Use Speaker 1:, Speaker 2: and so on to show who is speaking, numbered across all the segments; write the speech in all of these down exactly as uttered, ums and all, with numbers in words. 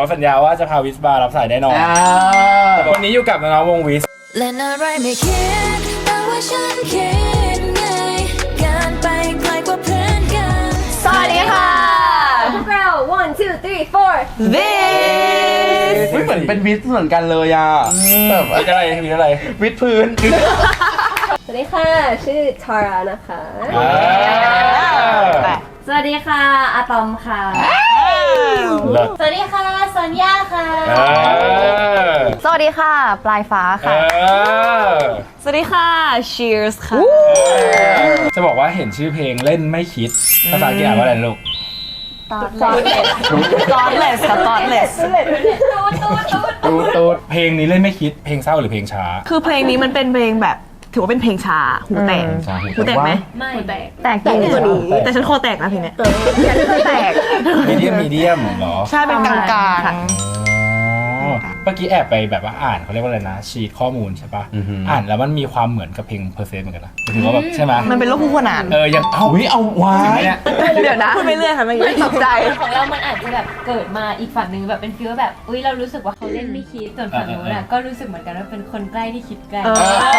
Speaker 1: สัญญาว่าจะพาวิสมารับสายแน่นอนวันนี้อยู่กับน้องวงวิส
Speaker 2: เล่นอะไรไม่คิดแต่ว่าฉันคิดไงการไปไกลกว่าเพื่อนกัน
Speaker 3: สวัสดีค่ะ
Speaker 4: พวกเรา one two three four
Speaker 3: วิส
Speaker 5: เหมือนเป็นวิสเหมือนกันเลยอ่ะ
Speaker 1: แบบอะไรวิสอะไร
Speaker 5: วิสพื้น
Speaker 4: สวัสดีค่ะชื่อทารานะคะ
Speaker 3: สวัสดีค่ะอะตอมค่ะสวัสดีค่ะสัญญาค่ะสวัสดีค่ะปลายฟ้าค่ะสวัสดีค่ะ Cheers ค่ะ
Speaker 1: จะบอกว่าเห็นชื่อเพลงเล่นไม่คิดภาษาอังกฤษอ่านว่าอะไรลูก
Speaker 3: Thoughtless ค่ะ Thoughtless
Speaker 1: ตูดตูดเพลงนี้เล่นไม่คิดเพลงเศร้าหรือเพลงช้า
Speaker 3: คือเพลงนี้มันเป็นเพลงแบบถือว่าเป็นเพลงช้าหูแตกหูแตกไหม
Speaker 4: ไม่แตก
Speaker 3: แตกจริงแต่ฉันคอแตกนะเพลงนี้แตก
Speaker 1: มีเดียมมีเดียมเหรอ
Speaker 3: ใช่เป็นกลางๆ
Speaker 1: เมื่อกี้แอบไปแบบว่าอ่านเขาเรียกว่าอะไรนะชีทข้อมูลใช่ปะอ่านแล้วมันมีความเหมือนกับเพลงเพอร์เซนต์เหมือนกันนะถือว่าแบบใช่ไหม
Speaker 3: มันเป็นโลกคู่ขนาน
Speaker 1: เออยังเอาวิเอาว้า
Speaker 3: เดี๋ยวนะพูดไปเรื่อยค่ะเมื่อกี้ตกใจ
Speaker 4: ของเรามันอาจจะแบบเกิดมาอีกฝั่งหนึ่งแบบเป็นฟีลแบบอุ้ยเรารู้สึกว่าเขาเล่นไม่คิดส่วนฝั่งนู้นน่ะก็รู้สึกเหมือนกันว่าเป็นคนใกล้ที่คิดใกล้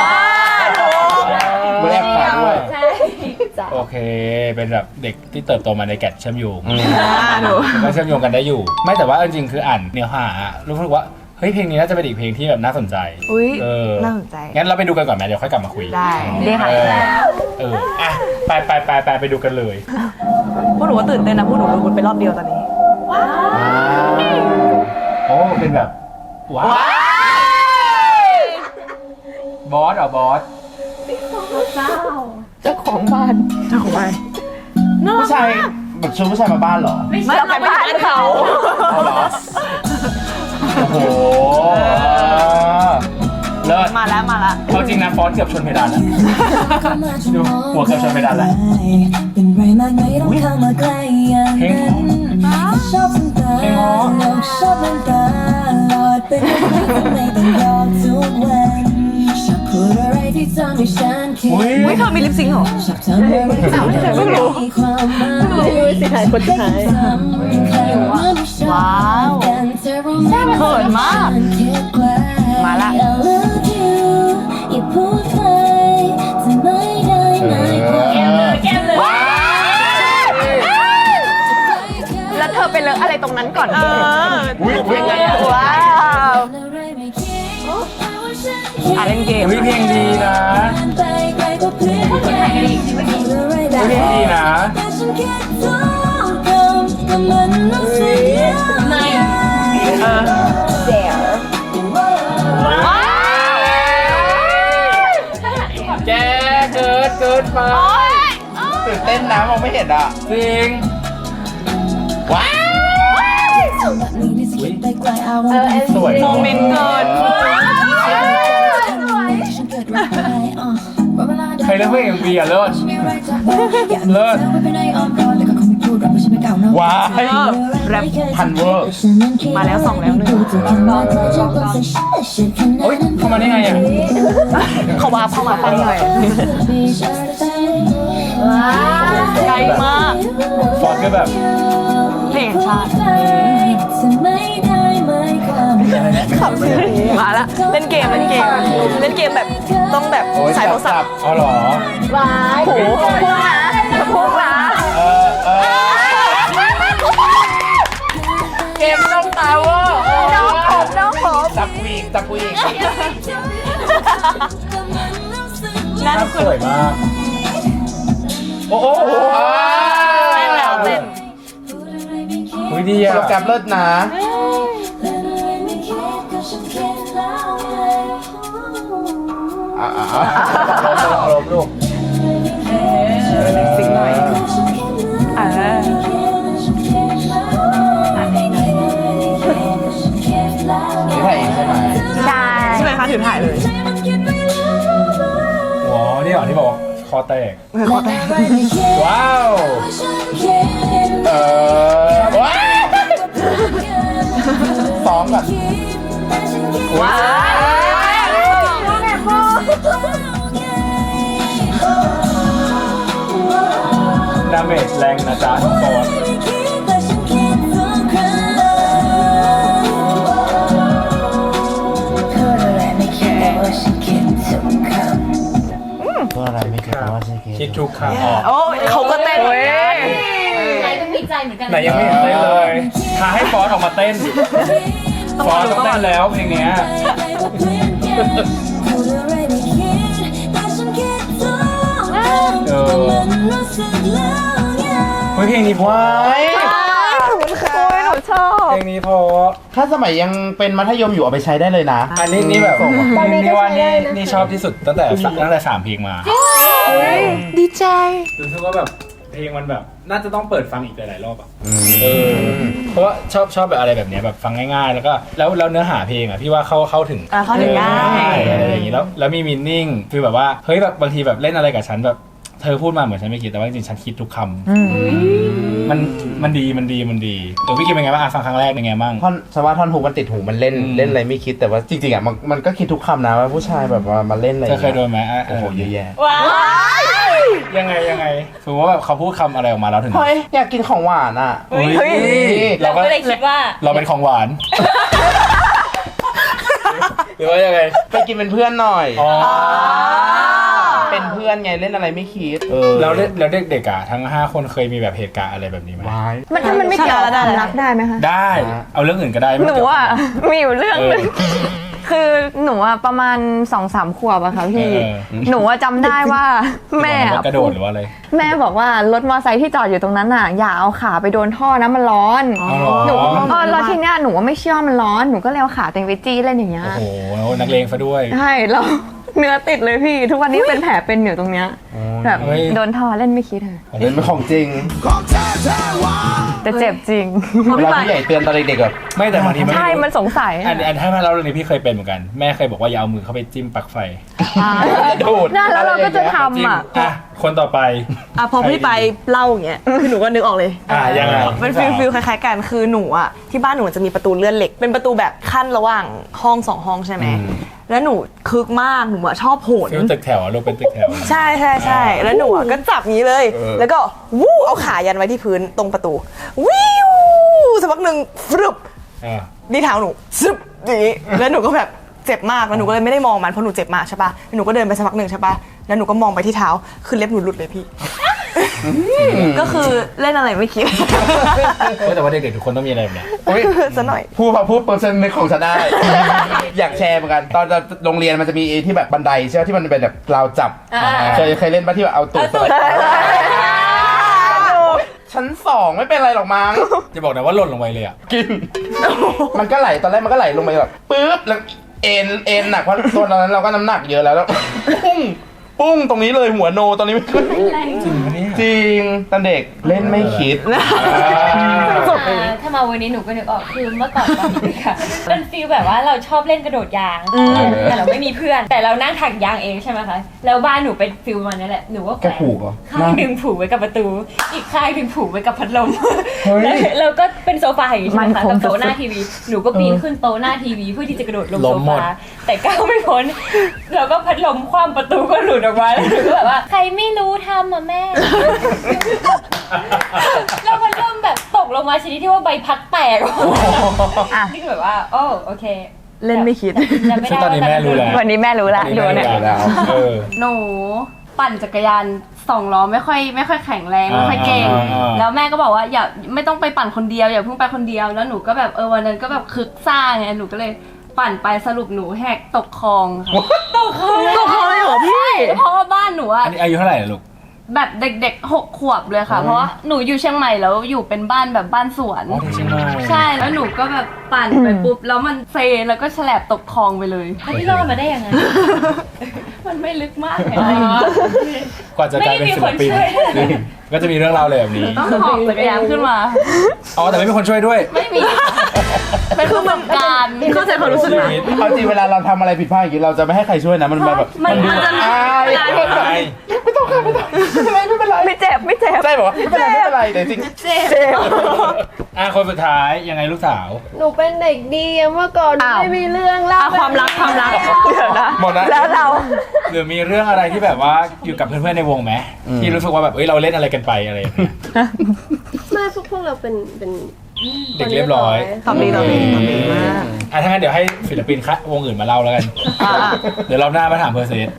Speaker 1: เมื่อแอบผ่านด้วย
Speaker 4: ใช่
Speaker 1: โอเคเป็นแบบเด็กที่เติบโตมาในแกะเชื่อมโยงก็เชื่อมโยงกันได้อยู่ไม่แต่ว่าจริงๆคืออ่านเนื้อหารู้สึกว่าเฮ้ยเพลงนี้น่าจะเป็นอีกเพลงที่แบบน่าสนใจ
Speaker 3: อุ้ย
Speaker 1: น่
Speaker 3: าสนใจ
Speaker 1: งั้นเราไปดูกันก่อนไหมเดี๋ยวค่อยกลับมาคุย
Speaker 3: ได้ได้ค่ะ
Speaker 1: เอออ่ะไปไปไปไปไปดูกันเลย
Speaker 3: พวกหนูก็ตื่นเต้นนะพวกหนูดูมันไปรอบเดียวตอนนี้ว้าว
Speaker 1: โอ้เป็นแบบว้าวบอสเหรอบอส
Speaker 4: เจ้า
Speaker 3: เจ้าของบ้านเจ้าของบ้าน
Speaker 5: ผู้ชายแบบชวนผู้ชายมาบ้านเหรอ
Speaker 3: ไม่เราไปบ้านเขา
Speaker 1: โอ้โหเลิศ
Speaker 3: มาแล้วมาแล้ว
Speaker 1: เอาจริงนะฟอนเกือบชนเพดานแล้วดูหัวเกือบชนเพดานแล้วเพลงเพลง
Speaker 3: อุ้ยเธอมีลิปซิงค์เหรอเพิ่งรู้
Speaker 4: สิถ่ายคนถ่าย
Speaker 3: ว้าวเขินมากมาละแล้วเธอไปเลอะอะไรตรงนั้นก่อนเออ
Speaker 1: วิ่งไงอ่ะ
Speaker 3: ว้าวอ่ะเล่นเกม
Speaker 1: เพลงดีนะเพลงดีนะ
Speaker 4: ไม่
Speaker 3: เออ
Speaker 4: เจ๋อ
Speaker 1: แกเกิดเกิดมา
Speaker 5: ตื่นเต้นนะมองไม่เห็นอ่ะ
Speaker 1: จริงว้าวสวย
Speaker 3: โมเมนต์เกิน
Speaker 1: ใครเล่นเพลงเอ็มวีอ่ะเลิศเลิศว้าย
Speaker 3: แรป
Speaker 5: พันเวอร์
Speaker 3: มาแล้วสองแล้วหนึ่ง
Speaker 1: โอ๊ยเข้ามาได้ไงอ่ะ
Speaker 3: เขาวาเข้ามาไปหน่อยไกลมาก
Speaker 1: ฟอนก็แบบ
Speaker 3: เพลงชาติขับมาละเล่นเกมเล่นเกมเล่นเกมแบบต้องแบบสายโทรศัพท์
Speaker 1: อ๋อเหรอ
Speaker 4: ว้าย
Speaker 3: โหพุ่งนะพุ่งนะ
Speaker 1: เออเออเกมต้องตายว่ะ
Speaker 3: น้องผมน้องผม
Speaker 5: จับวีกจับวีก
Speaker 3: น่าส
Speaker 1: วยมากโอ้โห
Speaker 3: เต้นแล้วเต้น
Speaker 1: อุ้ยดีอ่ะ
Speaker 5: โปรแกรมเลิศนะอ่าอ่าลบลูก
Speaker 3: สิ่งหน่อยอ่า
Speaker 5: นี่ถ่ายเองใช่ไหม
Speaker 3: ใช่ใช่ไหมคะถือถ่ายเลย
Speaker 1: อ๋อนี่เหรอที่บอกคอแตก
Speaker 3: คอแตก
Speaker 1: ว้าวเออว้าว
Speaker 5: ซ้อมก่อน
Speaker 3: ว้าว
Speaker 1: ดาเมจแรงนะจ๊ะทุกคนคิดทุกคำออก
Speaker 3: โอ้ยเขาก็เต้นเว้ย
Speaker 4: ไหนก็มีใจเหมือนกัน
Speaker 1: ไหนยังไม่เห็นเลยเลยท้าให้ฟอสออกมาเต้นฟอสต้องเต้นแล้วเพลงเนี้ย เออเฮ้ยเพลงนี้เพราะ
Speaker 3: ขอบคุณค่ะหนูชอบ
Speaker 1: เพลงนี้เพราะ
Speaker 5: ถ้าสมัยยังเป็นมัธยมอยู่เอาไปใช้ได้เลยนะ
Speaker 1: อันนี้นี่แบบนี่นี่ว่านี่นี่ชอบที่สุดตั้งแต่ตั้งแต่สามเพลงมา
Speaker 3: ดีใจ
Speaker 1: รู้สึกว่าแบบเพลงมันแบบน่าจะต้องเปิดฟังอีกหลายๆรอบอ่ะเออเพราะว่าชอบชอบแบบอะไรแบบเนี้ยแบบฟังง่ายๆ แล้วก็แล้วแล้วเนื้อหาเพลงอ่ะพี่ว่าเข้าเข้าถึง
Speaker 3: อ่ะเข้าถึงได้
Speaker 1: อะไรอย่างงี้แล้วแล้วมีมีนิ่งคือแบบว่าเฮ้ยแบบบางทีแบบเล่นอะไรกับฉันแบบเธอพูดมาเหมือนฉันไม่คิดแต่ว่าจริงๆฉันคิดทุกคำมันมันดีมันดีมันดีตัวพี่คิดเป็นไงบ้างอ่ะฟังครั้งแรกเป็นไงบ้าง
Speaker 5: ท่อนสว่าท่อนหูมันติดหูมันเล่น
Speaker 1: อืม
Speaker 5: เล่นอะไรไม่คิดแต่ว่าจริงๆอ่ะมันมันก็คิดทุกคำนะว่าผู้ชายแบบว่ามาเล่นอะไร
Speaker 1: เธอเคยโดนไหมอ่ะ
Speaker 5: โอ้โหเยอะแยะ
Speaker 3: ว้าย
Speaker 1: ยังไงยังไงสมมติว่าแบบเขาพูดคำอะไรออกมาแล้วถึง
Speaker 5: เฮ้ยอยากกินของหวานอ่ะ
Speaker 1: เฮ้ย
Speaker 4: เรา
Speaker 1: เราก็
Speaker 4: ก็เลยคิดว่า
Speaker 1: เราเป็นของหวาน หรือว่ายังไง
Speaker 5: ไปกินเป็นเพื่อนหน่อย
Speaker 1: อ๋อ
Speaker 5: เป็นเพื่อนไงเล่นอะไรไม่คิดเออ
Speaker 1: แล้วเด็กแล้วเด็กๆอ่ะทั้งห้าคนเคยมีแบบเหตุการณ์อะไรแบบนี้ไหม
Speaker 5: วาย
Speaker 3: มันถ้ามันไม่เกี่ยวกับความรักได้ไหมคะ
Speaker 1: ได้ เอาเรื่องอื่นก็ได้ไม่
Speaker 3: หนู
Speaker 1: เกี่ยว
Speaker 3: อ่ะมีอยู่เรื่อง
Speaker 1: เอ
Speaker 3: ห
Speaker 1: อ
Speaker 3: นึงคือหนูอ่ะประมาณสองสามขวบอะค่ะพี่
Speaker 1: เออ
Speaker 3: หนูอ่ะจำได้ว่าแม่
Speaker 1: ว่ากระโด
Speaker 3: พู
Speaker 1: ด
Speaker 3: ด
Speaker 1: หรือว่าอะไร
Speaker 3: แม่บอกว่ารถมอเตอร์ไซค์ที่จอดอยู่ตรงนั้นอ่ะอย่าเอาขาไปโดนท่อนะมันร้อน
Speaker 1: อ๋อเหรอ
Speaker 3: หนูเออแล้วทีเนี้ยหนูว่าไม่เชื่อมันร้อนหนูก็เลยเอาขาเต็งไปจี้เล่นอย่างเงี้ย
Speaker 1: โอ้โหนักเลงซะด้วย
Speaker 3: ใช่แล้วเนื้อติดเลยพี่ ทุกวันนี้เป็นแผลเป็นอยู่ตรงเนี้ยแบบ
Speaker 1: เฮ้ย
Speaker 3: โดนท่อเล่นไม่คิดเลย
Speaker 5: เล่นเป็นของจริง
Speaker 3: แต่เจ็บจริง
Speaker 5: เวลาผู้ใหญ่เตือนตอนเด็กๆแบบ
Speaker 1: ไม่แต่บางทีมัน
Speaker 3: ใช่
Speaker 1: ไม่รู้
Speaker 3: มันสงสัย
Speaker 1: อันอันถ้ามาเล่าเรื่องนี้พี่เคยเป็นเหมือนกัน แม่เคยบอกว่าอย่าเอามือเข้าไปจิ้มปลั๊กไฟ
Speaker 5: ดูด
Speaker 3: นั่นแล้วเราก็จะ
Speaker 1: จิ้
Speaker 3: ทำ
Speaker 1: ม
Speaker 3: อ่ะ
Speaker 1: อ่ะคนต่อไป
Speaker 6: อ่ะพอพี่ไปเล่าอย่างเงี้ยคือหนูก็นึกออกเลย
Speaker 1: อ่ะยังไง
Speaker 6: มันฟิลฟิลคล้ายๆกันคือหนูอ่ะที่บ้านหนูจะมีประตูเลื่อนเหล็ก เป็นประตูแบบขั้นระหว่างห้องสองห้องใช่ไหมแล้วหนูคึกมากหนูอ่ะชอบโหน
Speaker 1: ฟิลตึกแถวอะลูกเป็นตึกแถว
Speaker 6: ใช่ใช่ใช่แล้วหนูอ่ะก็จับงี้เลย แล้วก็วู้เอาขายันไว้ที่พื้นตรงประตูวิวสักพักหนึ่งฟรึบ
Speaker 1: อ่ะ
Speaker 6: นี่เท้าหนูซึบอย่างงี้แล้วหนูก็แบบเจ็บมากแล้วหนูก็เลยไม่ได้มองมันเพราะหนูเจ็บมากใช่ปะแล้วหนูก็เดินไปสักพักหนึ่งใช่ปะแล้วหนูก็มองไปที่เท้าคือเล็บหนูหลุดเลยพี่ ก็คือเล่นอะไรไม่คิด
Speaker 1: เออแต่ว่าเด็กๆทุกคนต้องมีอะไรแบบเนี้ย
Speaker 6: ซะหน่อย
Speaker 5: พูดพอพูดเปอร์เซ็นต์ในของฉันได้ อยากแชร์เหมือนกัน ตอนโรงเรียนมันจะมีไอ้ที่แบบบันไดใช่ไหมที่มันเป็นแบบราวจับ เคยเคยเล่นปะที่แบบเอาตูดสไลด์ชั้นสองไม่เป็นไรหรอกมั้ง
Speaker 1: จะบอกนะว่าหล่นลงไปเลยอ่ะ
Speaker 5: กิน มันก็ไหลตอนแรกมันก็ไหลลงไปแบบปึ๊บแล้วเอ็นเอ็นหนักเพราะตัวตอนนั้นเราก็น้ำหนักเยอะแล้วแล้วปุ้งปุ้งตรงนี้เลยหัวโนตอนนี้ไม่ขึ้น
Speaker 1: จริงปะเนี่ย
Speaker 5: จริงตอนเด็กเล่นไม่คิด
Speaker 4: ถ้ามาวันนี้หนูก็นึกออกคือเมื่อก่อนตอนเด็กอะเป็นฟีลแบบว่าเราชอบเล่นกระโดดยางแต่เราไม่มีเพื่อน แต่เรานั่งถักยางเองใช่ไหมคะแล้วบ้านหนูเป็นฟีลมันนั่นแหละหนูก็แข
Speaker 5: แก
Speaker 4: วน
Speaker 5: ผูกเหรอ
Speaker 4: ข้างหนึ่งผูกไว้กับประตู อีกข้างหนึ่งผูกไว้กับพัดลม
Speaker 5: เฮ้ย
Speaker 4: แล้วแล้วก็เป็นโซฟาอย่างนี้ใช่ไหม
Speaker 3: มัน
Speaker 4: คะ
Speaker 3: คง
Speaker 4: กับโต๊ะ
Speaker 3: สุดๆ
Speaker 4: หน้าทีวีหนูก็ปีนขึ้นโต๊ะหน้าทีวีเพื่อที่จะกระโดดลง
Speaker 1: ล้
Speaker 4: โซ
Speaker 1: มหมด
Speaker 4: ฟาแต่ก้าวไม่พ้นแล้วก็พัดลมคว่ำประตูก็หลุดออกมาแล้วหนูก็แบบว่าใครไม่รู้ทำอ่ะแม่ แล้วพัดลมแบบตกลงมาชนิดที่ว่าใบพัดแตก
Speaker 3: อ่ะ
Speaker 4: นี่คือแบบว่าโอ้โอเค
Speaker 6: เล่นไม่คิด
Speaker 4: จำไม่
Speaker 1: ซึ่ง
Speaker 4: ได้
Speaker 1: ตอนนี้แม่รู้แล้ว
Speaker 3: วันนี้แม่รู้ละดูเนี่ย
Speaker 5: แล้ว
Speaker 1: เออ
Speaker 7: หนูปั่นจักรยานสองล้อไม่ค่อยไม่ค่อยแข็งแรงไม่ค่อยเก่ง
Speaker 1: อ่าอ่า
Speaker 7: แล้วแม่ก็บอกว่าอย่าไม่ต้องไปปั่นคนเดียวอย่าเพิ่งไปคนเดียวแล้วหนูก็แบบเออวันนั้นก็แบบคึกซ่าไงหนูก็เลยปั่นไปสรุปหนูแหกตกคลองค่ะ
Speaker 3: ตกคอเลยเหรอพี่
Speaker 7: เพราะว่าบ้านหนูอะ
Speaker 1: อันนี้อายุเท่าไหร่อะลูก
Speaker 7: แบบเด็กๆหกขวบเลยค่ะ เพราะว่าหนูอยู่เชียงใหม่แล้วอยู่เป็นบ้านแบบบ้านสวน
Speaker 1: อ๋อที่เชียงใหม่
Speaker 7: ใช่แล้วหนูก็แบบปั่นไปปุ๊บแล้วมันเซแล้วก็แฉลบตกคลองไปเลย
Speaker 4: แล้วพี่รอดมาได้ยังไง
Speaker 7: มันไม่ลึกมากเลย
Speaker 1: กว่าจะกลายเป็นศิลปิน
Speaker 4: ไม่มีคนช่วย
Speaker 1: ก็จะมีเรื่องราวเลยแบบนี้
Speaker 7: ต้องหอบจักรยานขึ้นมา
Speaker 1: อ๋อแต่ไม่มีคนช่วยด้วย
Speaker 7: ไม่มี เป็นประสบการณ์
Speaker 6: เข้าใจความรู้สึกนะ
Speaker 5: เอาจริงเวลาเราทำอะไรผิดพลาดอย่างนี้เราจะไม่ให้ใครช่วยนะมันแบบ
Speaker 7: มัน
Speaker 5: ดู
Speaker 7: มันจะ
Speaker 5: อาย
Speaker 7: เวลาเห็น
Speaker 1: ใช่
Speaker 5: ไม่ต้องค่ะไม่ต้องไม่เป็นไรไม่เป็นไร
Speaker 3: ไม่เจ็บไม่เจ็บ
Speaker 5: ใช่บอกว่าไม่เป็นไรไม่เป็นไรแต่จริง
Speaker 3: เจ็บ
Speaker 1: อ่ะคนสุดท้ายยังไงลูกสาว
Speaker 8: หนูเป็นเด็กดีเมื่อก่อนหนู
Speaker 3: อ้าว
Speaker 8: ไม่มีเรื่องเล่า
Speaker 3: อ่ะความรักความรักเดี๋ยวนะ
Speaker 5: หมดนะ
Speaker 3: แล้วเรา
Speaker 1: หรือมีเรื่องอะไรที่แบบว่าอยู่กับเพื่อนๆในวงไหมที่รู้สึกว่าแบบเอ้ยเราเล่นอะไรกันไปอะไรอย่างเงี้ย
Speaker 8: ไม่พวกพวกเราเป็นเป็น
Speaker 1: เด็กเรียบร้อย
Speaker 6: ตอบดีตอบดีตอบดีมาก
Speaker 1: อ่ะถ้างั้นเดี๋ยวให้ศิลปินคะวงอื่นมาเล่าแล้วกัน
Speaker 3: อ่ะ
Speaker 1: เดี๋ยวรอบหน้ามาถามเพอร์เซสว่า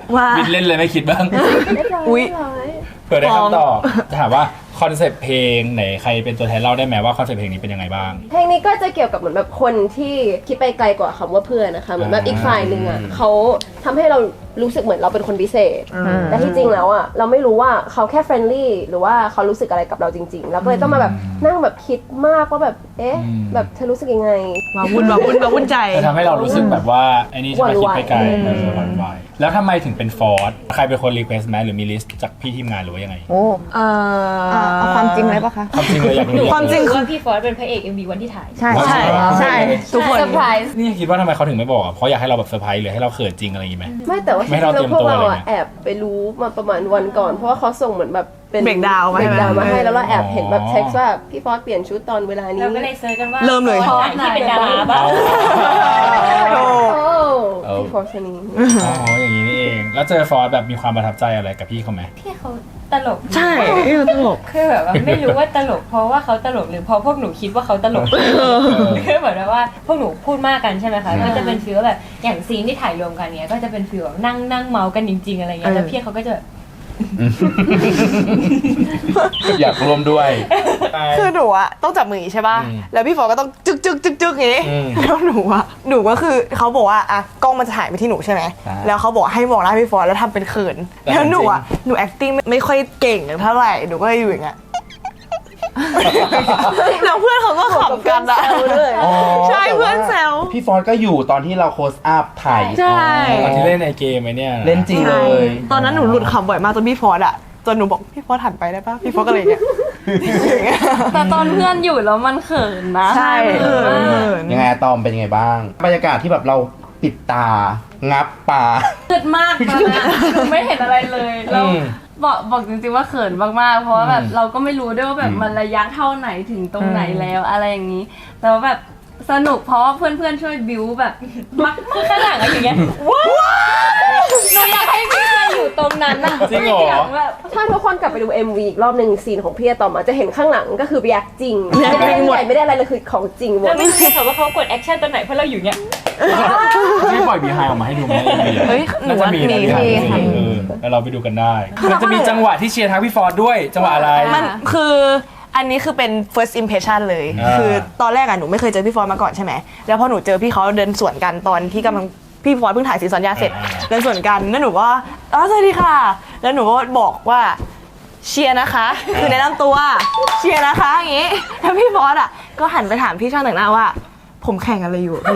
Speaker 6: ว่า
Speaker 1: บินเล่นเลยไม่คิดบ้าง
Speaker 8: เรียบร้อย
Speaker 6: อุ๊ย
Speaker 8: เรียบร้อย
Speaker 1: เผื่อได้คำตอบจะถามว่าคอนเซปต์เพลงไหนใครเป็นตัวแทนเล่าได้ไหมว่าคอนเซปต์เพลงนี้เป็นยังไงบ้าง
Speaker 8: เพลงนี้ก็จะเกี่ยวกับเหมือนแบบคนที่คิดไปไกลกว่าคำว่าเพื่อนนะคะเหมือนแบบอีกฝ่ายหนึ่งอ่ะเขาทำให้เรารู้สึกเหมือนเราเป็นคนพิเศษแต่ที่จริงแล้วอ่ะเราไม่รู้ว่าเขาแค่เฟรนลี่หรือว่าเขารู้สึกอะไรกับเราจริงๆแล้วก็เลยต้องมาแบบนั่งแบบคิดมากว่าแบบเอ๊ะ
Speaker 1: อืม
Speaker 8: แบบเธอรู้สึกยังไง
Speaker 6: มาวุ่นมาวุ่นมาวุ่นใจ
Speaker 1: จะทำให้เรารู้สึกแบบว่าไอ้นี่ใช่ไหม
Speaker 8: หวั่นไหว
Speaker 1: คิดไปไกลเออหวั่นไหวแล้วทำไมถึงเป็นฟอร์สใครเป็นคนรีเควสต์ไหมหรือมีลิสต์จากพี่ทีมงานหรือว่ายังไง
Speaker 3: โอ้
Speaker 6: เอ่อ
Speaker 3: เอาความจริงเลยปะคะ
Speaker 1: ความจริงเลยอยากรู้
Speaker 6: ความจริง
Speaker 4: ว่าพี่ฟอสเป็นพระเอก เอ็ม วี วันที่ถ่าย
Speaker 3: ใช่
Speaker 6: ใช่ใช่ทุกคน
Speaker 4: เซอร์ไพรส์
Speaker 1: นี่คิดว่าทำไมเขาถึงไม่บอกอ่ะเพราะอยากให้เราแบบเซอร์ไพรส์หรือให้เราเขินจริงอะไรอย่างงี้ไหม
Speaker 8: ไม่แต่ว่า
Speaker 1: ไม่ให้เราเตรียม
Speaker 8: พวก
Speaker 1: ตัว
Speaker 8: เรา
Speaker 1: เลย
Speaker 8: อะ
Speaker 1: ไหม
Speaker 8: แอบไปรู้มาประมาณวันก่อน เพราะว่าเขาส่งเหมือนแบบเป็น
Speaker 6: breakdown มาให้
Speaker 8: เบรกดาวมาให้แล้วเราแอบเห็นแบบ
Speaker 1: อ๋อ
Speaker 8: เท็กซ์ว่าพี่ฟอสเปลี่ยนชุดตอนเวลานี้
Speaker 4: เราก็เลยเซิร์ชกันว่า
Speaker 6: เริ่มเลย
Speaker 4: ฟอสไหนที่เป็นดาราบ้าง
Speaker 8: โอ้
Speaker 1: เออ
Speaker 8: พี่ฟอสคนนี้
Speaker 1: อ๋ออย่างนี้นี่เอง แล้วเจอฟอร์สแบบมีความประทับใจอะไรกับพี่เขาไหม
Speaker 4: พี่เขาตลก
Speaker 6: ใช่ตลก
Speaker 4: คือแบบว่าไม่รู้ว่าตลกเพราะว่าเขาตลกหรือเพราะพวกหนูคิดว่าเขาตลกคือเหมือนว่าพวกหนูพูดมากกันใช่ไหมคะก็จะเป็นฟีลแบบอย่างซีนที่ถ่ายรวมกันเนี้ยก็จะเป็นฟีลแบบนั่งนั่งเมากันจริงๆอะไรเงี้ยแล้วพี่เขาก็จะ
Speaker 5: อยากร่วมด้วย
Speaker 6: คือหนูอะต้องจับมืออย่างงี้ใช่ป่ะ
Speaker 1: อืม
Speaker 6: แล้วพี่ฟอก็ต้องจึกจึกจึกจึกอย่างงี้
Speaker 1: อืม
Speaker 6: แล้วหนูอะหนูก็คือเขาบอกว่าอะกล้องมันจะถ่ายไปที่หนูใช่ไหม
Speaker 5: ใช่
Speaker 6: แล้วเขาบอกให้มองหน้าพี่ฟอแล้วทำเป็นเขิน แล้วหนูอะหนู acting ไม่ไม่ค่อยเก่งเท่าไหร่ หนูก็เลยอยู่อย่างเงี้ย แล้วเพื่อนเขาก็ขำกันอะ
Speaker 5: อ๋อ
Speaker 6: ใช่เพื่อนแซว
Speaker 5: พี่ฟอสก็อยู่ตอนที่เราโคสอัพถ่าย
Speaker 6: ใช่
Speaker 1: ตอนที่เล่นในเกมไอ้เนี่ย
Speaker 5: เล่นจริงเลย
Speaker 6: ตอนนั้นหนูหลุดขำบ่อยมากจนพี่ฟอสอะจนหนูบอกพี่ฟอสหันไปได้ปะพี่ฟอสก็เลยอย่างเงี้ยอย่างเงี้ย
Speaker 7: แต่ตอนเพื่อนอยู่แล้วมันเขินนะ
Speaker 6: ใช่
Speaker 7: มันเขินมาก
Speaker 5: ยังไงอะตอมเป็นยังไงบ้าง บรรยากาศที่แบบเราปิดตา งับปา
Speaker 7: เขินมากตอนนั้นหนูไม่เห็นอะไรเลยแล้ว
Speaker 1: อืม
Speaker 7: บอกบอกจริงๆว่าเขินมากๆ เพราะว่าแบบ
Speaker 1: อืม
Speaker 7: เราก็ไม่รู้ด้วยว่าแบบ
Speaker 5: อืม
Speaker 7: มันระยะเท่าไหนถึงตรงไหนแล้วอะไรอย่างนี้ แต่ว่าแบบสนุกเพราะว่าเพื่อนๆช่วยบิวแบบมาก
Speaker 4: คือข้างหลังอะอย่างเงี้ยหนูอยากให้พี่เพื่อนอยู่ตรงนั้นอะ
Speaker 1: จริงเหรอ
Speaker 4: ยากแบบ
Speaker 8: ถ้าทุกคนกลับไปดู เอ็ม วี อีกรอบหนึ่งซีนของพี่อะตอมอะจะเห็นข้างหลังก็คือแยกจริงไม่ได้ใหญ่ไม่ได้อะไรเลยคือของจริงหมด
Speaker 4: เราไม่รู้ค่ะว่าเขากดแอคชั่นตอนไหนเพราะเราอยู่เนี้ย
Speaker 1: ไม่ปล่อยบีไฮออกมาให้ดูไหม
Speaker 6: เฮ้ยหนู
Speaker 1: น่าจะ
Speaker 6: ว่า
Speaker 1: มี
Speaker 6: มี
Speaker 1: นะ
Speaker 6: มี
Speaker 1: มี
Speaker 6: ค่ะ
Speaker 1: เออแล้วเราไปดูกันได้มันจะมีจังหวะที่เชียร์ทั้งพี่ฟอร์ดด้วยจังหวะอะไร
Speaker 6: มันคืออันนี้คือเป็น first impression เลย
Speaker 1: อ่า
Speaker 6: คือตอนแรกอะหนูไม่เคยเจอพี่ฟอร์มาก่อนใช่ไหมแล้วพอหนูเจอพี่เขาเดินสวนกันตอนที่กำลังพี่ฟอร์เพิ่งถ่ายซีซันยาเสร็จ เดินสวนกันแล้วหนูก็อ๋อสวัสดีค่ะ แล้วหนูก็บอกว่าเชียร์นะคะ คือแนะนำตัวเชียร์นะคะอย่างงี้แล้วพี่ฟอร์อะก็หันไปถามพี่ช่างแต่งหน้าว่า ผมแข่งอะไรอยู่อะพี่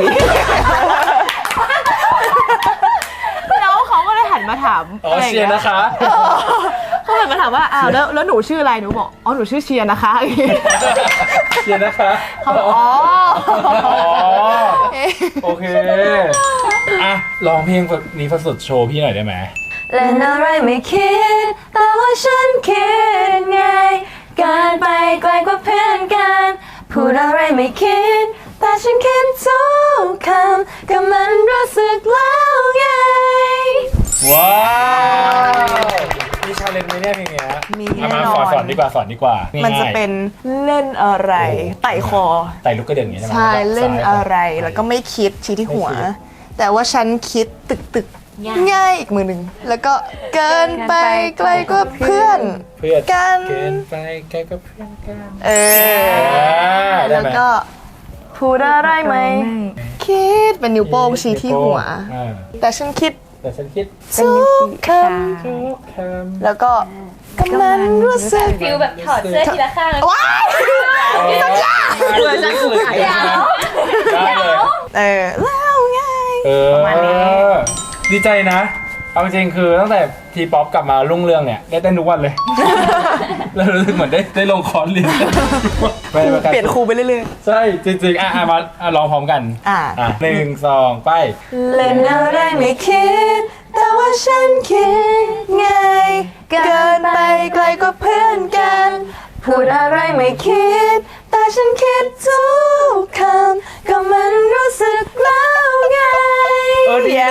Speaker 6: แล้วเขาก็เลยหันมาถาม
Speaker 1: อ๋อเชียร์นะคะ
Speaker 6: เขาหันมาถามว่าอ้าวแล้วแล้วหนูชื่ออะไรหนูบอกอ๋อหนูชื่อเชียร์นะคะอย่างงี้
Speaker 1: เชียร์นะคะ
Speaker 6: เขาบอกอ๋อ
Speaker 1: อ๋อโอเคอ่ะลองเพลงนี้ฝึกสุดโชว์พี่หน่อยได้ไหม
Speaker 3: เล่นอะไรไม่คิด แต่ว่าฉันคิดไง การไปไกลกว่าเพื่อนกัน พูดอะไรไม่คิด แต่ฉันคิดทุกคำก็มันรู้สึกแล้วไง
Speaker 1: ว้าวมีชาเลนจ์ไหมเนี่ยเพลงเนี้ย
Speaker 6: มี
Speaker 1: เอา
Speaker 6: แน่
Speaker 1: มาน
Speaker 6: อ
Speaker 1: สอน
Speaker 6: น
Speaker 1: สอนดีกว่าสอนดีกว่า
Speaker 6: มันจะ
Speaker 1: ง่ายๆ
Speaker 6: เป็นเล่นอะไรไต่คอ
Speaker 1: ไต่ลูกกระเดื่องอย่างนี้ใช่ไหม
Speaker 6: ใช่เล่นอะไร
Speaker 1: ซ้าย
Speaker 6: แล้วก็ไม่คิดชี้ที่หัว
Speaker 1: ไม่คิด
Speaker 6: แต่ว่าฉันคิดตึกตึกง่ายอีกมือหนึ่งแล้วก็เกินไปไกลกว่าเพื่อน
Speaker 1: เพื่อน
Speaker 6: กัน
Speaker 1: เกินไปไกลกับเพื่อนกัน
Speaker 6: เออ
Speaker 1: ได้
Speaker 6: แล้ว
Speaker 1: ไหม
Speaker 6: ก็พูดอะไรไหมคิดเป็นนิ้วโป้งชี้ที่หัว
Speaker 1: อ่า
Speaker 6: แต่ฉันคิด
Speaker 1: แต่ฉันคิด
Speaker 6: ทุกค
Speaker 1: ทุกคำ
Speaker 6: ำแล้วก็กำลังรู้สึก
Speaker 4: ฟิลแบบถอดเสื้อทีละข้างแล้ว
Speaker 6: ว้าย
Speaker 1: นี่สัญญาเพื่อนจะสุดได้เลย
Speaker 6: เออแล้วไง
Speaker 1: เออ
Speaker 6: ประมาณนี้
Speaker 1: ดีใจนะ เอาจริงๆคือตั้งแต่ทีป๊อปกลับมารุ่งเรืองเนี่ยได้เต้นทุกวันเลย แล้วรู้สึกเหมือนได้ได้ลงคอร์สเรียนไม่ไม่
Speaker 6: เปลี่ยนครูไปเรื่อย
Speaker 1: ใช่จริงๆอ่ะอ่ะมาอ่ะลองพร้อมกัน
Speaker 6: อ่ะ
Speaker 1: อ่ะหนึ่งสองไป
Speaker 6: ๆเล่นอะไรไม่คิด แต่ว่าฉันคิดไง เกินไปไกลกว่าเพื่อนกัน พูดอะไรไม่คิด แต่ฉันคิดทุกคำก็มันรู้สึกแล้วไง
Speaker 1: เออดีนะ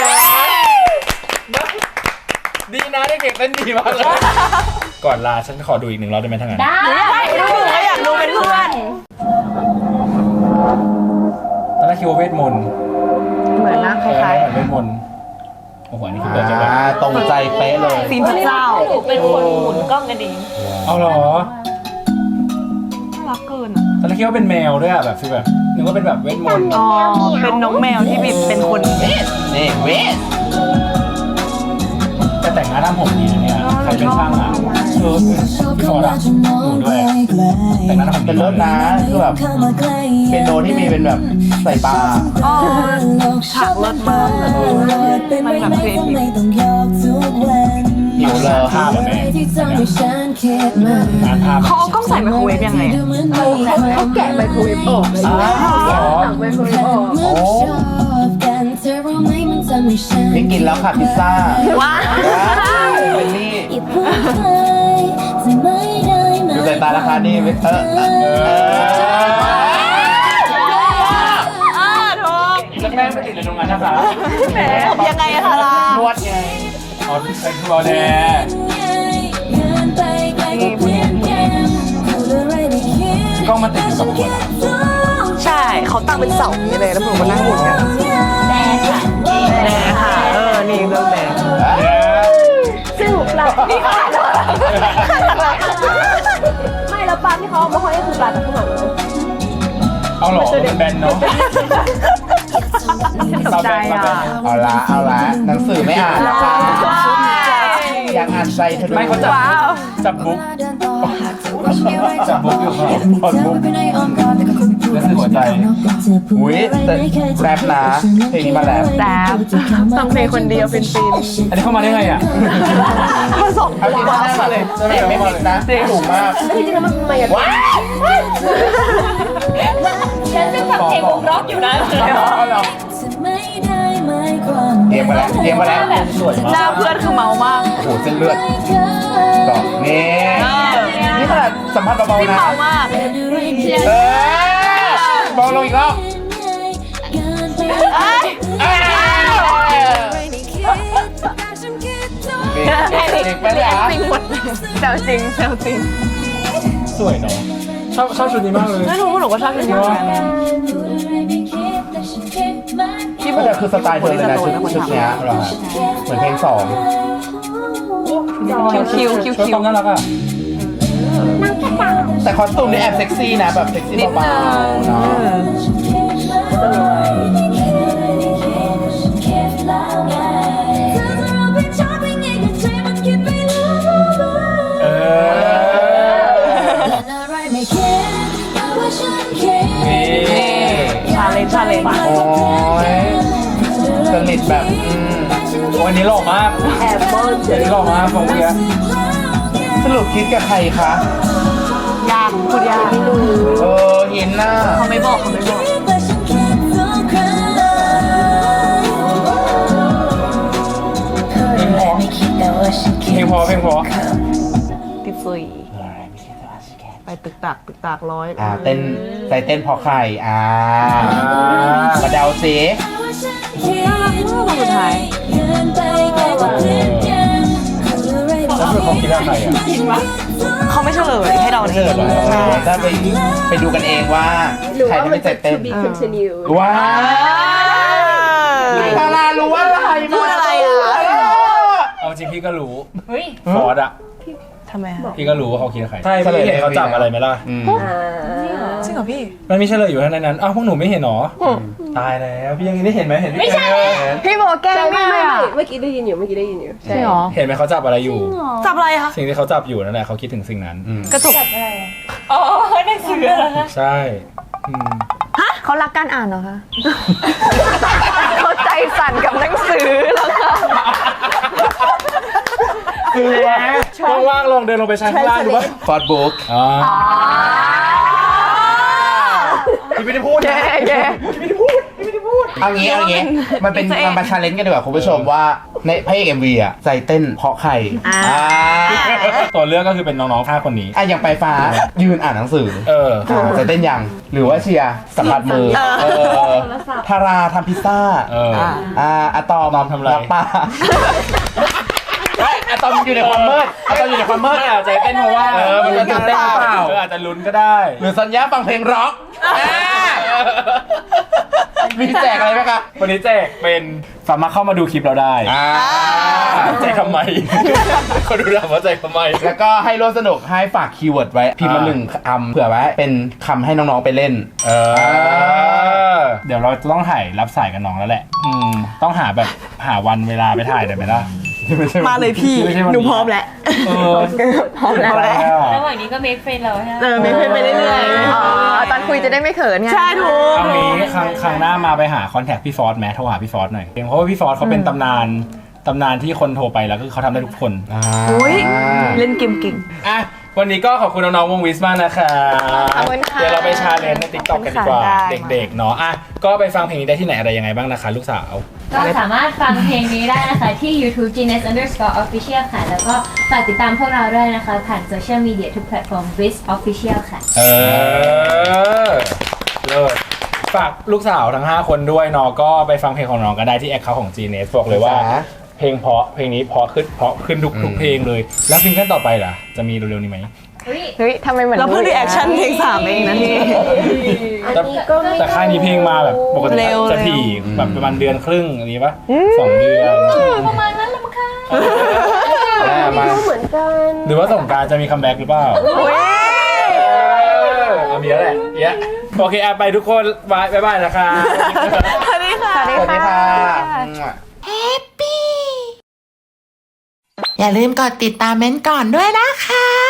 Speaker 1: ดีนะเด็กๆเต้นดีมากเลยก่อนลาฉันขอดูอีกหนึ่งรอบได้ไหมทั้างนั้น
Speaker 4: ได้
Speaker 6: ไม่อยากดูเป็นเพื่อน
Speaker 1: ตอนแรกคิดว่าเวทมนต์
Speaker 6: เหมือนนะคล้าย
Speaker 1: เหมือนเวทมนต์โอ้โหอันนี่คือเปิดจังหวะ
Speaker 5: อ่าตรงใจ
Speaker 6: ซีนพระเจ้า
Speaker 4: หนูเป็นคนหมุนกล้องกันเอง
Speaker 1: เอาเหรอ
Speaker 6: น่ารักเกินอะ
Speaker 1: ตอนแรกคิดว่าเป็นแมวด้วยอะแบบฟีลแบบนึกว่าเป็นแบบเวทมนต์
Speaker 6: อ๋อเป็นน้องแมวที่แบบเป็นคน
Speaker 5: นี่เวส
Speaker 1: แต่แต่งหน้าทำผมดีนะเนี่ยใครเป็นช่างอ่ะเออพี่ฟอร์ดอะหนูด้วยแต่งหน้าทำผม
Speaker 5: เป็นเลิศนะคือแบบเป็นโนที่มีเป็นแบบใส่ปลา
Speaker 6: อ๋อฉากเลิศมากเลยมันแบบครีเอทีฟ
Speaker 5: หิวเลย
Speaker 1: ภาพแบบแม่งานภาพ
Speaker 6: เขาเอากล้องใส่ไมโครเวฟยังไงอะ
Speaker 8: เขาแกะไมโครเวฟออกเลย
Speaker 1: อ๋อเหรอ
Speaker 8: ถังไมโครเวฟออก
Speaker 5: โอ้นี่กินแล้วค่ะพิซซ่า
Speaker 6: ว้า
Speaker 5: เป็นนี่ดูสายตาราคานี่เออเออเออ
Speaker 6: อ่าถูก
Speaker 1: แล้วแม่ไม่ติดในโรงงานนะคะ
Speaker 6: แหมยังไงอะทาราน
Speaker 5: วดไง
Speaker 1: อ๋อเป็นครัวแดกล้องมันติดอยู่กับหัวนะ
Speaker 6: ใช่เขาตั้งเป็นเสาอย่างนี้เลยแล้วหนูก็นั่งหมุนกัน
Speaker 4: แดงค่ะ
Speaker 6: แดงค่ะเออนี่เรื่องแดง
Speaker 8: ซึ่งเรานี่ปลาไม่แล้วปลาที่เขาเอามาห้อยก็คือปลาจากข้างหลังเลย
Speaker 1: เอาเหรอมันแบนเนาะ
Speaker 6: ตกใจอ่ะ
Speaker 5: เอาละเอาละหนังสือไม่อ่านนะคะอยากอ่านใจเธอด้วย
Speaker 1: ไม่เขาจับจับบุ๊กจับบุ๊กอยู่ค่ะพอดบุ๊กแล้วคือหัวใจ
Speaker 5: อุ้ยแต่แรปนะเพลงนี้มาแรป
Speaker 6: แรปฟังเพลงคนเดียวฟินฟิน
Speaker 1: อันนี้เข้ามาได้ไงอ่ะ
Speaker 6: มาสอง
Speaker 5: เอาพิซซ่ามาเลยจะไม่ไม่ผิดนะถูกมาก
Speaker 8: แล้วจริงๆแล้วมันมาอย่าง
Speaker 5: ว้าว
Speaker 4: ฉันยังฟังเพลงวงร็อกอยู่นะ
Speaker 5: เอาเหรอเตรียมมาแล้วเตรียมมาแล้ว
Speaker 1: สวย
Speaker 6: ห
Speaker 1: มา
Speaker 6: น้าก เพื่อนคือเมามาก
Speaker 5: โอ้โหเส้นเลือดต่อนี่นี่ขนาดสัมผัสเบาๆนะ
Speaker 6: เมามาก
Speaker 5: เออเบาลงอีกรอบเอ้ยเด็กไปเลยอ่ะ
Speaker 6: จริงหมดแซวจริงแซวจริง
Speaker 1: สวยเนาะชอบชอบชุดนี้มากเลย
Speaker 6: ไม่รู้หนูก็ชอบชุดนี้เหมือนกัน
Speaker 5: ที่มันคือสไตล์เธอเลยนะชุดชุดเนี้ยเหรอเหมือนเพลงสอง
Speaker 6: คิวคิวคิว
Speaker 1: ชุด
Speaker 6: คิ
Speaker 1: คว วามน่ารักอ่ะ
Speaker 5: แต่คอสตูมนี่แอบเซ็กซี่นะแบบเซ็กซี่เบาๆเนาะ
Speaker 1: เออนี่
Speaker 6: ชาเลนจ์ชาเลนจ์
Speaker 5: โอ้ยสนิทแบบอืม
Speaker 1: วันนี้หล่อมาก
Speaker 8: แอบมอง
Speaker 1: วันนี้หล่อมากฟองเบียร์
Speaker 5: สรุปคิดกับใครคะ
Speaker 6: ยากพูดยาก
Speaker 5: เออเห็นหน้า
Speaker 6: เขาไม่บอกเขาไม่บอก
Speaker 1: เพลงพอเพลงพอเพลงพอ
Speaker 6: ติดซุยไปตึกตักตึกตักร้อย
Speaker 5: อ่าเต้นใจเต้นเพอใครอ่ามาเดาสิ
Speaker 6: สุดท้าย
Speaker 1: แล้วคือเขาคิดว่าใครอ่ะ
Speaker 6: เขาไม่เฉลยให้เรา
Speaker 5: ไม่
Speaker 6: เอ
Speaker 5: เชื่อง เหรอ
Speaker 6: ใช่
Speaker 5: ถ้าไปไปดูกันเองว่า
Speaker 8: หรือ
Speaker 5: ใคร
Speaker 8: ว่า
Speaker 5: ที่
Speaker 8: มั
Speaker 5: ไม่
Speaker 8: น
Speaker 5: ใจ
Speaker 8: จะ
Speaker 5: เต้น
Speaker 8: to be continue
Speaker 5: ว้าวดารารู้อะไร
Speaker 6: พูดอะไรอ่ะ
Speaker 1: เอาจริงพี่ก็รู้
Speaker 4: เฮ้ย
Speaker 1: ฟอร์ดอ่ะ
Speaker 6: ทำไมคะ
Speaker 1: พี่ก็รู้ว่าเขาคิดว่าใครใช่พี่เห็นเขาจับอะไรไหมล่ะ
Speaker 5: อืม
Speaker 8: อ่า
Speaker 6: จริงเหรอพี่
Speaker 1: มันมีเฉลยอยู่ข้างในนั้นอ้าวพวกหนูไม่เห็นหรอตายแล้วพี่ยังได้เห็นไหมเห็นไม่ใช่
Speaker 6: พี่บอกแก้
Speaker 8: ใช่
Speaker 6: ไม่
Speaker 8: ไม่
Speaker 6: ได้
Speaker 8: ไม่
Speaker 6: อะ
Speaker 8: ไม่เมื่อกี้ได้ยินอยู่เมื่อกี้ได้ยินอยู่
Speaker 6: จริงเหรอ
Speaker 1: เห็นไหมเขาจับอะไรอยู่
Speaker 6: จับอะไรคะ
Speaker 1: สิ่งที่เขาจับอยู่นั่นแหละเขาคิดถึงสิ่งนั้น
Speaker 6: กระจก
Speaker 4: อ๋อหนังสือเหรอคะ
Speaker 1: ใช่อืม
Speaker 3: เขารักการอ่านเหรอคะ
Speaker 6: เขาใจสั่นกับหนังสือแล้วค่ะ
Speaker 1: คือว่างๆลองเดินลงไปชั้นข้างล่างดูป่ะ
Speaker 5: ฟอร์ดบุ๊ก
Speaker 1: อ่าพี่ไม่ได้พูด
Speaker 6: แย่แย่
Speaker 5: เอางี้เอางี้มันเป็นมันมาชาเลนจ์กันดีกว่าคุณผู้ชมว่าในพระเอกเอ็มวีอะใจเต้นเพราะใครอ่า
Speaker 1: ตัวเลือกก็คือเป็นน้องๆห้าคนนี้
Speaker 5: อ่ะอย่างไปฟ้ายืนอ่านหนังสือ
Speaker 1: เออ
Speaker 5: อ่าใจเต้นยังหรือว่าเชียร์สัมผัสมือเออทาราทำพิซซ่า
Speaker 1: เออ
Speaker 5: อ่าอะตอม
Speaker 1: ตอมทำอะไร
Speaker 5: รักป้าอะตอมอยู่ในความมืดอะตอมอยู่ในความมืด
Speaker 1: ไม่อาจจะเต้นเพราะว่า
Speaker 5: เออมันจะตื่นเต้นหรือเปล่า
Speaker 1: เอออาจจะลุ้นก็ได้
Speaker 5: หรือสัญญาฟังเพลงร็อกอ่ามีแจกอะไรไหมคะ
Speaker 1: วันนี้แจกเป็นสามารถเข้ามาดูคลิปเราได้
Speaker 5: อ่า
Speaker 1: แจกทำไมเขาดูถามว่าแจกทำไม
Speaker 5: แล้วก็ให้ร่วมสนุกให้ฝากคีย์เวิร์ดไว้ พิมพ์มาหนึ่งคำเผื่อไว้เป็นคำให้น้องๆไปเล่น
Speaker 1: เออ เดี๋ยวเราจะต้องถ่ายรับสายกับน้องแล้วแหละ อืม ต้องหาแบบหาวันเวลาไปถ่ายได้ไหมล่ะ
Speaker 6: มาเลยพี่
Speaker 1: ไม่ใช่วัน
Speaker 6: หนู
Speaker 1: นี้
Speaker 6: พร้อมแล้ว
Speaker 1: เออ
Speaker 6: พร้อมแล้ว
Speaker 1: ได้อะ
Speaker 4: ระหว่างนี้ก็ make friend เราใช่ไหม
Speaker 6: เออไม่เป็นไปเรื่อยๆ
Speaker 3: อ๋อตอนคุยจะได้ไม่เขินไง
Speaker 6: ใช่ถูก
Speaker 1: เอางี้ครั้งครั้งหน้ามาไปหาคอนแทคพี่ฟอสแม้โทรหาพี่ฟอสหน่อยเพราะว่าพี่ฟอสเขาเป็นตำนานตำนานที่คนโทรไปแล้วก็เขาทำได้ทุกคน
Speaker 6: โอ้ยเล่นเกมเก่ง
Speaker 1: อ่ะวันนี้ก็ขอบคุณน้องๆวงวิสมากนะคะ
Speaker 3: ขอบคุณค่ะ
Speaker 1: เดี๋ยวเราไปชาเลนจ์ในติ๊กต็อกกันดีกว่า
Speaker 6: ขอบคุณค่ะ
Speaker 1: เด็กๆเนาะอ่ะก็ไปฟังเพลงนี้ได้ที่ไหนอะไรยังไงบ้างนะคะ ลูกสาว
Speaker 4: ก็สามารถฟังเพลงนี้ได้นะคะที่ YouTube Genius Underscore Official ค่ะ แล้วก็ฝากติดตามพวกเราด้วยนะคะ ผ่านโซเชียลมีเดียทุกแพลตฟอร์ม Wiz Official ค่ะ
Speaker 1: เออเลิศฝากลูกสาวทั้งห้าคนด้วยเนาะก็ไปฟังเพลงของน้องก็ได้ที่แอคเคาท์ของ จี เนส บอกเลยว่า
Speaker 5: จ้า
Speaker 1: เพลงเพราะเพลงนี้เพราะขึ้นเพราะขึ้นทุกทุกเพลงเลย แล้วซิงเกิลต่อไปล่ะจะมีเร็วๆนี้ไหม
Speaker 3: เฮ้ยทำไมเหมือน
Speaker 6: เราเพิ่งรีแอคชั่นเพลงสามเองนะพี่
Speaker 8: อันนี้ก็ไม่
Speaker 1: แต่ค่ายนี้เพลงมาแบบปกติ
Speaker 6: เร็ว
Speaker 1: จะถี่
Speaker 6: เร็ว
Speaker 1: แบบประมาณเดือนครึ่งอะไรปะสองเดือน
Speaker 4: ประมาณนั้นแหละมั้งคะ
Speaker 5: อ่ามา
Speaker 8: รู้เหมือนกัน
Speaker 1: หรือว่าสงกรารจะมีคัมแบ็กหรือเปล่าเออเอามีแล้วแหละเยอะโอเคอ่ะไปทุกคนบายบายบายนะคะ
Speaker 6: สวัสดีค่ะ
Speaker 3: สวัสดี
Speaker 5: สวัสดี
Speaker 3: ค่ะ
Speaker 5: ค่ะ
Speaker 9: อย่าลืมกดติดตามเม้นท์ก่อนด้วยนะคะ